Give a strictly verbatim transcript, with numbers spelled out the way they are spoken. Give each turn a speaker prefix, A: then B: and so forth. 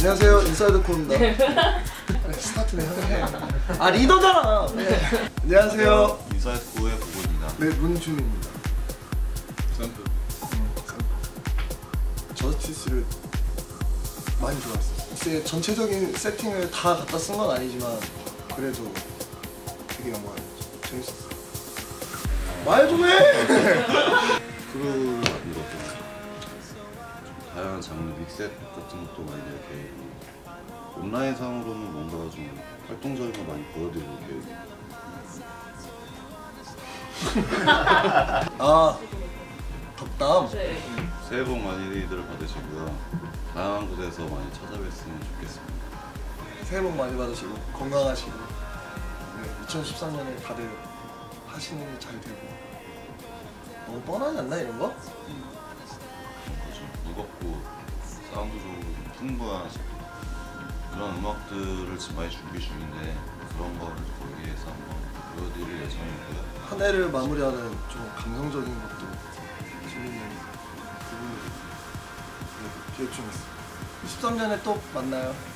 A: 안녕하세요, 인사이드 코입니다. 네, 스타트네 형해. 아 리더잖아. 네. 안녕하세요,
B: 인사이드 코의 보고입니다.
A: 네, 문준입니다.
B: 샘플.
A: 음, 저스티스를 많이 좋아했어요. 글쎄 전체적인 세팅을 다 갖다 쓴 건 아니지만 그래도 되게 영광이었죠. 재밌었어요. 말 좀 해.
B: 크루 같은 것도 다양한 장르 믹셋 같은 것도 많이 이렇게 온라인 상으로는 뭔가 좀 활동적인 거 많이 보여드리고 계획입니다.
A: 아 덕담.
C: 네.
B: 새해 복 많이들 받으시고요. 다양한 곳에서 많이 찾아뵀으면 좋겠습니다.
A: 새해 복 많이 받으시고 건강하시고 네, 이천십삼 년에 다들 하시는 일 잘 되고. 너무 뻔하지 않나 이런 거?
B: 그렇죠. 무겁고 사운드 좋고 풍부한 그런 음악들을 지금 많이 준비 중인데 그런 거를 거기에서 한번 보여드릴 예정이고요.
A: 한 해를 마무리하는 좀 감성적인 것도 재밌는 부분들이 네, 기획 중에 있습니다. 십삼 년에 또 만나요.